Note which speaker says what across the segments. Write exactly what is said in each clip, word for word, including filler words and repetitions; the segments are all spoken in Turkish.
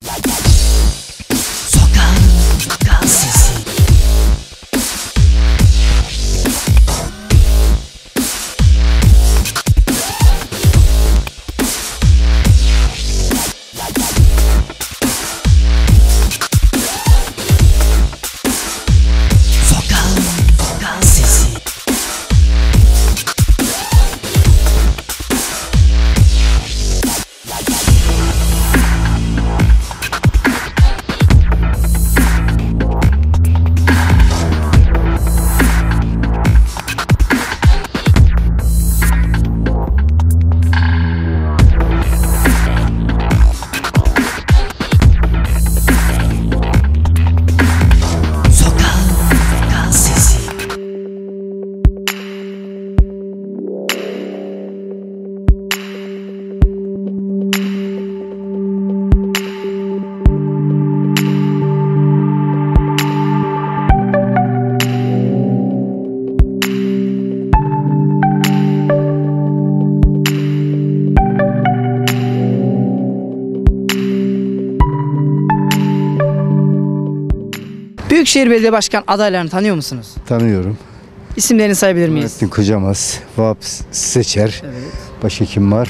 Speaker 1: Sokağın sokağın sesi. Sokağın sokağın sesi. Sokağın sokağın sesi. Büyükşehir Belediye Başkan adaylarını tanıyor musunuz?
Speaker 2: Tanıyorum.
Speaker 1: İsimlerini sayabilir miyiz?
Speaker 2: Nurettin Kocamaz, Vahap Seçer,
Speaker 1: Evet.
Speaker 2: başka kim var?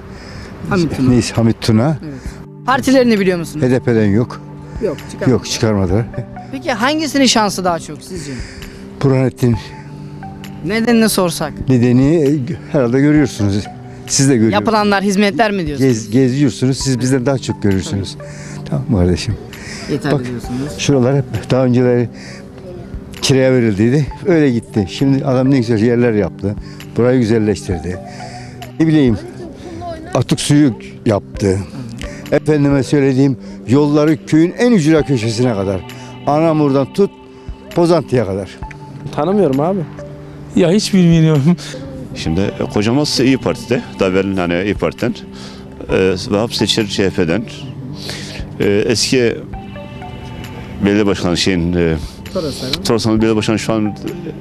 Speaker 1: Hamit Tuna.
Speaker 2: Neyse, Hamit Tuna.
Speaker 1: Partilerini biliyor musunuz?
Speaker 2: H D P'den yok.
Speaker 1: Yok.
Speaker 2: Yok, çıkarmadılar.
Speaker 1: Peki hangisinin şansı daha çok sizce?
Speaker 2: Burhanettin
Speaker 1: Nedenini sorsak.
Speaker 2: nedeni herhalde görüyorsunuz. Siz de görüyorsunuz.
Speaker 1: Yapılanlar, hizmetler mi diyorsunuz?
Speaker 2: Gez, geziyorsunuz. Siz bizden daha çok görürsünüz. Tamam mı kardeşim?
Speaker 1: Yeterli
Speaker 2: Bak.
Speaker 1: diyorsunuz.
Speaker 2: Şuralar hep daha önceleri kiraya verildiydi. Öyle gitti. Şimdi adam ne güzel yerler yaptı. Burayı güzelleştirdi. Ne bileyim, atık suyu yaptı. Efendime söylediğim, yolları köyün en ücra köşesine kadar. Anamur'dan tut Pozantı'ya kadar.
Speaker 3: Tanımıyorum abi.
Speaker 4: Ya hiç bilmiyorum.
Speaker 5: Şimdi e, Kocamaz İyi Parti'de, daha evvel hani İyi Parti'den, e, Vahap Seçer C H P'den, e, eski belediye başkanı şeyin, e, Toros'un belediye başkanı şu an e,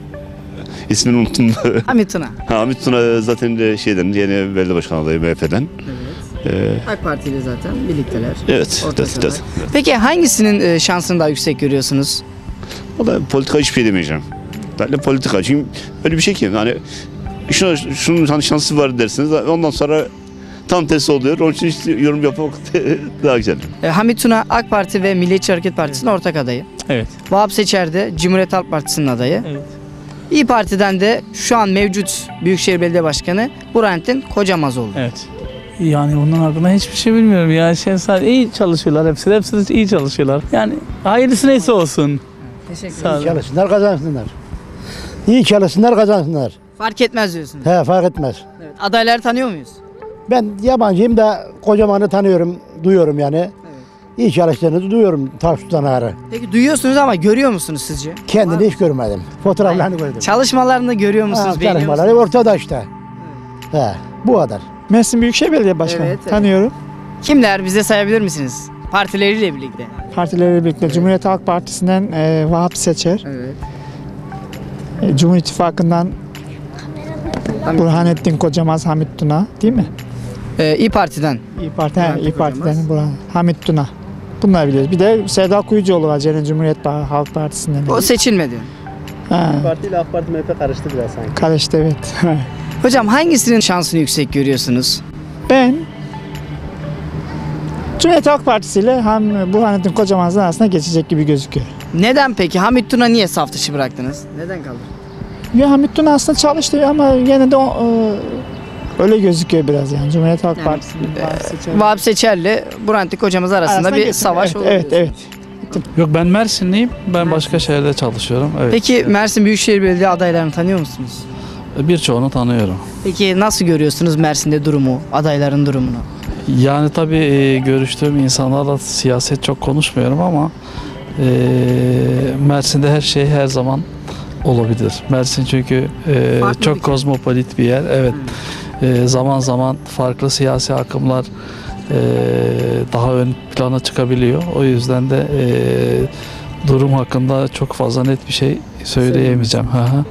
Speaker 5: ismini unuttum.
Speaker 1: Hamit Tuna.
Speaker 5: Ha, Hamit Tuna zaten de şeyden, yeni belediye başkanı adayı M H P'den. E,
Speaker 1: AK Parti ile zaten birlikteler.
Speaker 5: evet, evet,
Speaker 1: Ortaklar.
Speaker 5: evet, evet.
Speaker 1: Peki hangisinin e, şansını daha yüksek görüyorsunuz?
Speaker 5: O da politika hiçbir şey demeyeceğim. Ben de politika. Çünkü öyle bir şey ki hani şuna, şunun hani şansı var dersiniz. Ondan sonra tam tersi oluyor. Onun için işte yorum yapmak daha güzel.
Speaker 1: E, Hamit Tuna AK Parti ve Milliyetçi Hareket Partisi'nin ortak adayı.
Speaker 4: Evet.
Speaker 1: Vahap Seçer de Cumhuriyet Halk Partisi'nin adayı.
Speaker 4: Evet.
Speaker 1: İyi Parti'den de şu an mevcut Büyükşehir Belediye Başkanı Burhanettin Kocamazoğlu.
Speaker 4: Evet. Yani onun hakkında hiçbir şey bilmiyorum ya. Şey, sadece iyi çalışıyorlar hepsi. Hepsi de iyi çalışıyorlar. Yani hayırlısı neyse olsun.
Speaker 1: Teşekkür
Speaker 4: Sağ
Speaker 1: ederim.
Speaker 4: olun.
Speaker 6: Çalışsınlar, kazansınlar. İyi çalışsınlar, kazansınlar.
Speaker 1: Fark etmez diyorsunuz.
Speaker 6: He, fark etmez.
Speaker 1: Evet. Adayları tanıyor muyuz?
Speaker 6: Ben yabancıyım da Kocaman'ı tanıyorum, duyuyorum yani. İyi çalıştığını duyuyorum, taş tutanağları.
Speaker 1: Peki duyuyorsunuz ama görüyor musunuz sizce?
Speaker 6: Kendini hiç görmedim. Fotoğraflarını gördüm.
Speaker 1: Çalışmalarını görüyor musunuz?
Speaker 6: Ha,
Speaker 1: beğeniyor
Speaker 6: çalışmaları
Speaker 1: musunuz?
Speaker 6: ortada işte. He, bu kadar.
Speaker 7: Mersin Büyükşehir Belediye Başkanı.
Speaker 1: Evet, evet.
Speaker 7: Tanıyorum.
Speaker 1: Kimler bize sayabilir misiniz? Partileriyle birlikte.
Speaker 7: Partileriyle birlikte Cumhuriyet Halk Partisi'nden e, Vahap Seçer,
Speaker 1: Evet.
Speaker 7: e, Cumhur İttifakı'ndan Burhanettin Kocamaz, Hamit Tuna değil mi?
Speaker 1: Ee, İyi Parti'den.
Speaker 7: İyi Parti, he,
Speaker 1: Burhanettin
Speaker 7: İyi Parti'den
Speaker 1: Kocamaz.
Speaker 7: Burhan, Hamit Tuna. Bunları biliyoruz. Bir de Sevda Kuyucuoğlu var Ceren Cumhuriyet Halk Partisi'nden.
Speaker 1: O seçilmedi.
Speaker 7: Ha,
Speaker 3: Parti ile AK Parti M H P karıştı biraz sanki.
Speaker 7: karıştı evet.
Speaker 1: Hocam hangisinin şansını yüksek görüyorsunuz?
Speaker 7: Ben Cumhuriyet Halk Partisi ile hem Burhanettin Kocamaz'ın arasında geçecek gibi gözüküyor.
Speaker 1: Neden peki? Hamit Tuna niye saf dışı bıraktınız? Neden kaldı?
Speaker 7: Ya Hamit Tuna aslında çalıştı ama yine de o, e, öyle gözüküyor biraz yani. Cumhuriyet Halk
Speaker 1: Yani,
Speaker 7: Partisi'nin
Speaker 1: e,
Speaker 7: Vahap Seçer-
Speaker 1: Vahap Seçer'le Burhanettin Kocamaz arasında
Speaker 7: arasında
Speaker 1: bir
Speaker 7: geçin.
Speaker 1: savaş
Speaker 7: evet,
Speaker 1: oluyor.
Speaker 7: Evet, evet.
Speaker 4: Yok ben Mersinliyim. Ben başka şehirde çalışıyorum. Evet.
Speaker 1: Peki Mersin Büyükşehir Belediye adaylarını tanıyor musunuz?
Speaker 4: Birçoğunu tanıyorum.
Speaker 1: Peki nasıl görüyorsunuz Mersin'de durumu, adayların durumunu?
Speaker 4: Yani tabii e, görüştüğüm insanlarla siyaset çok konuşmuyorum ama e, Mersin'de her şey her zaman olabilir. Mersin çünkü e,
Speaker 1: Farklı
Speaker 4: çok
Speaker 1: bir-
Speaker 4: kozmopolit bir yer. Evet. E, zaman zaman farklı siyasi akımlar e, daha ön plana çıkabiliyor. O yüzden de e, durum hakkında çok fazla net bir şey söyleyemeyeceğim. Hı hı.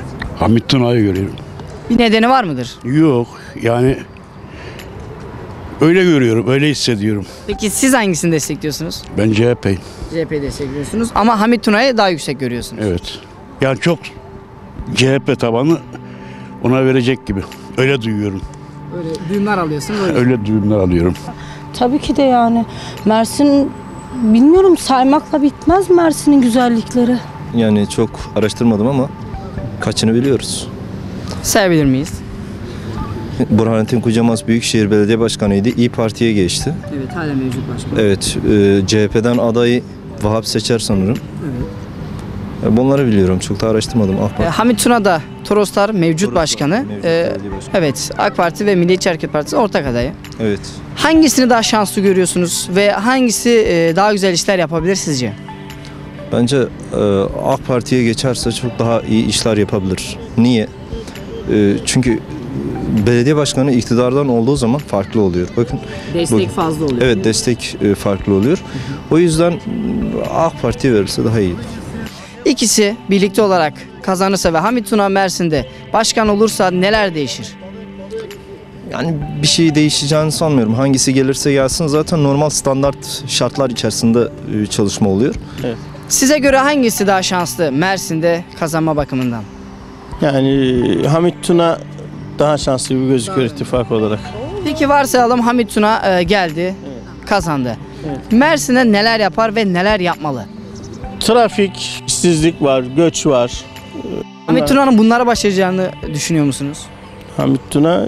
Speaker 8: Hamit Tuna'yı görüyorum.
Speaker 1: Bir nedeni var mıdır?
Speaker 8: Yok yani Öyle görüyorum, öyle hissediyorum.
Speaker 1: Peki siz hangisini destekliyorsunuz?
Speaker 8: Ben C H P'yim.
Speaker 1: C H P'yi destekliyorsunuz ama Hamit Tuna'yı daha yüksek görüyorsunuz.
Speaker 8: Evet. Yani çok C H P tabanı ona verecek gibi. Öyle duyuyorum.
Speaker 1: Öyle duyumlar alıyorsunuz. Öyle.
Speaker 8: Öyle duyumlar alıyorum.
Speaker 9: Tabii ki de yani. Mersin bilmiyorum saymakla bitmez Mersin'in güzellikleri.
Speaker 10: Yani çok araştırmadım ama kaçını biliyoruz.
Speaker 1: Sayabilir miyiz?
Speaker 10: Burhanettin Kucamaz Büyükşehir Belediye Başkanı'ydı. İyi Parti'ye geçti.
Speaker 1: Evet, hala mevcut başkan.
Speaker 10: Evet, e, C H P'den adayı Vahap Seçer sanırım.
Speaker 1: Evet.
Speaker 10: E, bunları biliyorum. Çok da araştırmadım. Ah,
Speaker 1: E, Hamit Tuna da Toroslar mevcut
Speaker 10: Toroslar
Speaker 1: başkanı.
Speaker 10: mevcut
Speaker 1: E,
Speaker 10: belediye başkanı.
Speaker 1: evet, AK Parti ve Milliyetçi Hareket Partisi ortak adayı.
Speaker 10: Evet.
Speaker 1: Hangisini daha şanslı görüyorsunuz ve hangisi e, daha güzel işler yapabilir sizce?
Speaker 10: Bence e, AK Parti'ye geçerse çok daha iyi işler yapabilir. Niye? E, çünkü belediye başkanı iktidardan olduğu zaman farklı oluyor. Bakın.
Speaker 1: Destek
Speaker 10: bu-
Speaker 1: fazla oluyor.
Speaker 10: Evet, destek e, farklı oluyor. O yüzden m, AK Parti'ye verirse daha iyi.
Speaker 1: İkisi birlikte olarak kazanırsa ve Hamit Tuna Mersin'de başkan olursa neler değişir?
Speaker 10: Yani bir şey değişeceğini sanmıyorum. Hangisi gelirse gelsin zaten normal standart şartlar içerisinde e, çalışma oluyor.
Speaker 1: Size göre hangisi daha şanslı Mersin'de kazanma bakımından?
Speaker 3: Yani Hamit Tuna daha şanslı gibi gözüküyor ittifak olarak.
Speaker 1: Peki varsayalım Hamit Tuna e, geldi, kazandı. Mersin'e neler yapar ve neler yapmalı?
Speaker 3: Trafik, işsizlik var, göç var.
Speaker 1: Hamit Tuna'nın bunlara başaracağını düşünüyor musunuz?
Speaker 3: Hamit Tuna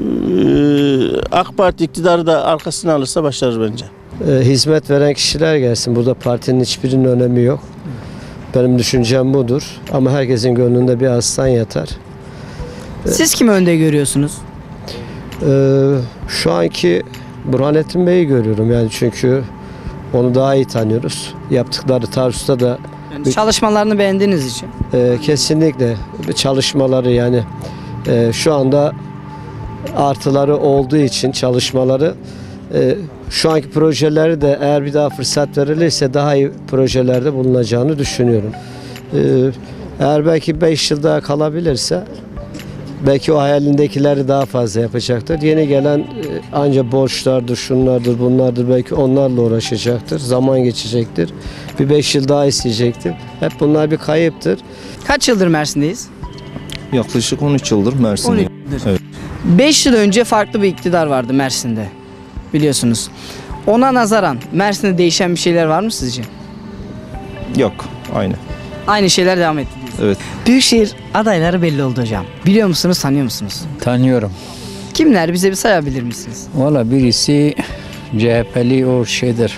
Speaker 3: eee, AK Parti iktidarı da arkasına alırsa başarır bence.
Speaker 11: E, hizmet veren kişiler gelsin. Burada partinin hiçbirinin önemi yok. Benim düşüncem budur. Ama herkesin gönlünde bir aslan yatar.
Speaker 1: Siz kimi önde görüyorsunuz?
Speaker 11: E, şu anki Burhanettin Bey'i görüyorum. Yani çünkü onu daha iyi tanıyoruz. Yaptıkları Tarsus'ta da
Speaker 1: Yani çalışmalarını beğendiğiniz için.
Speaker 11: e, kesinlikle çalışmaları yani e, şu anda artıları olduğu için çalışmaları e, şu anki projeleri de eğer bir daha fırsat verilirse daha iyi projelerde bulunacağını düşünüyorum. E, eğer belki beş yıl daha kalabilirse belki o hayalindekileri daha fazla yapacaktır. Yeni gelen e, anca borçlardır, şunlardır, bunlardır belki onlarla uğraşacaktır. Zaman geçecektir. Bir beş yıl daha isteyecektir. Hep bunlar bir kayıptır.
Speaker 1: Kaç yıldır Mersin'deyiz?
Speaker 10: Yaklaşık on üç yıldır Mersin'de.
Speaker 1: on üç yıldır.
Speaker 10: Evet.
Speaker 1: beş yıl önce farklı bir iktidar vardı Mersin'de. Biliyorsunuz. Ona nazaran Mersin'de değişen bir şeyler var mı sizce?
Speaker 10: Yok, aynı.
Speaker 1: Aynı şeyler devam etti diyorsunuz.
Speaker 10: Evet.
Speaker 1: Büyükşehir adayları belli oldu hocam. Biliyor musunuz, tanıyor musunuz?
Speaker 12: Tanıyorum.
Speaker 1: Kimler? Bize bir sayabilir misiniz?
Speaker 12: Valla birisi C H P'li o şeydir.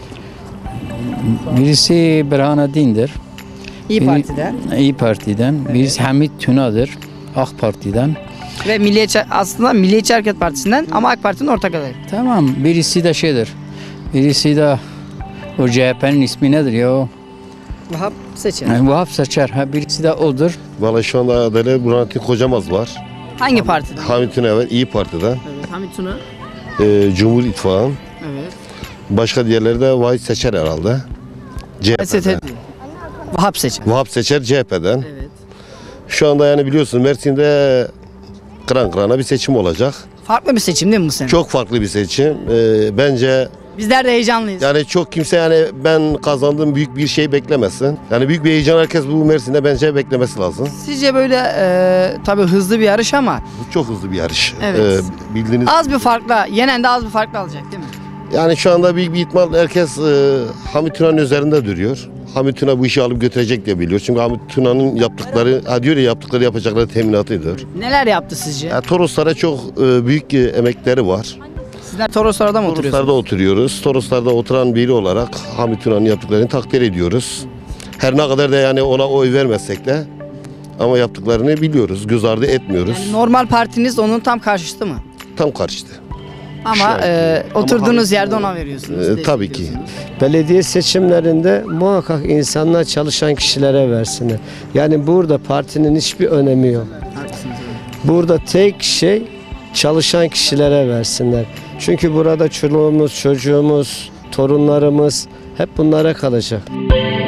Speaker 12: Birisi Burhanettin'dir.
Speaker 1: İyi
Speaker 12: Biri-
Speaker 1: Parti'den
Speaker 12: İyi Parti'den. Birisi Hamit Tuna'dır. AK Parti'den.
Speaker 1: ve Milliyetçi, aslında Milliyetçi Hareket Partisi'nden ama AK Parti'nin ortak adayı.
Speaker 12: Tamam. Birisi de şeydir. Birisi de o C H P'nin ismi nedir ya o?
Speaker 1: Vahap Seçer.
Speaker 12: Yani Vahap Seçer. Ha, birisi de odur.
Speaker 13: Valla şu anda adaylar Burhanettin Kocamaz var.
Speaker 1: Hangi partiden?
Speaker 13: Hamit Tuna var, İyi Parti'den.
Speaker 1: Evet, Hamit Tuna.
Speaker 13: Ee, Cumhur İttifakı.
Speaker 1: Evet.
Speaker 13: Başka diğerleri de Vahit Seçer herhalde. C H P'den.
Speaker 1: S T D. Vahap Seçer.
Speaker 13: Vahap Seçer C H P'den.
Speaker 1: Evet.
Speaker 13: Şu anda yani biliyorsun Mersin'de kıran kırana bir seçim olacak.
Speaker 1: Farklı bir seçim değil mi bu sene?
Speaker 13: Çok farklı bir seçim. Ee, bence
Speaker 1: Bizler de heyecanlıyız.
Speaker 13: yani çok kimse yani ben kazandım büyük bir şey beklemesin. Yani büyük bir heyecan herkes bu Mersin'de bence beklemesi lazım.
Speaker 1: Sizce böyle e, tabii hızlı bir yarış ama
Speaker 13: Bu çok hızlı bir yarış.
Speaker 1: Evet.
Speaker 13: Ee, bildiğiniz
Speaker 1: az bir farkla, yenen de az bir farkla alacak değil mi?
Speaker 13: Yani şu anda büyük bir ihtimal herkes e, Hamit Tuna'nın üzerinde duruyor. Hamit Tuna bu işi alıp götürecek diye biliyor. Çünkü Hamit Tuna'nın yaptıkları, ha diyor ya yaptıkları yapacakları teminatıdır.
Speaker 1: Neler yaptı sizce?
Speaker 13: Ya Toroslara çok e, büyük e, emekleri var.
Speaker 1: Sizler Toroslar'da mı oturuyorsunuz?
Speaker 13: Toroslar'da oturuyoruz. Toroslar'da oturan biri olarak Hamit Tuna'nın yaptıklarını takdir ediyoruz. Her ne kadar da yani ona oy vermezsek de ama yaptıklarını biliyoruz. Göz ardı etmiyoruz.
Speaker 1: Yani normal partiniz onun tam karşıtı mı?
Speaker 13: Tam karşıtı.
Speaker 1: Ama
Speaker 13: Şu anki-
Speaker 1: e,
Speaker 13: Ama
Speaker 1: oturduğunuz
Speaker 13: Hamit-
Speaker 1: yerde ona veriyorsunuz.
Speaker 13: E, tabii ki.
Speaker 1: destekliyorsunuz.
Speaker 11: Belediye seçimlerinde muhakkak insanlar çalışan kişilere versinler. Yani burada partinin hiçbir önemi yok.
Speaker 1: Haklısınız, evet.
Speaker 11: Burada tek şey çalışan kişilere versinler. Çünkü burada çoluğumuz, çocuğumuz, torunlarımız hep bunlara kalacak.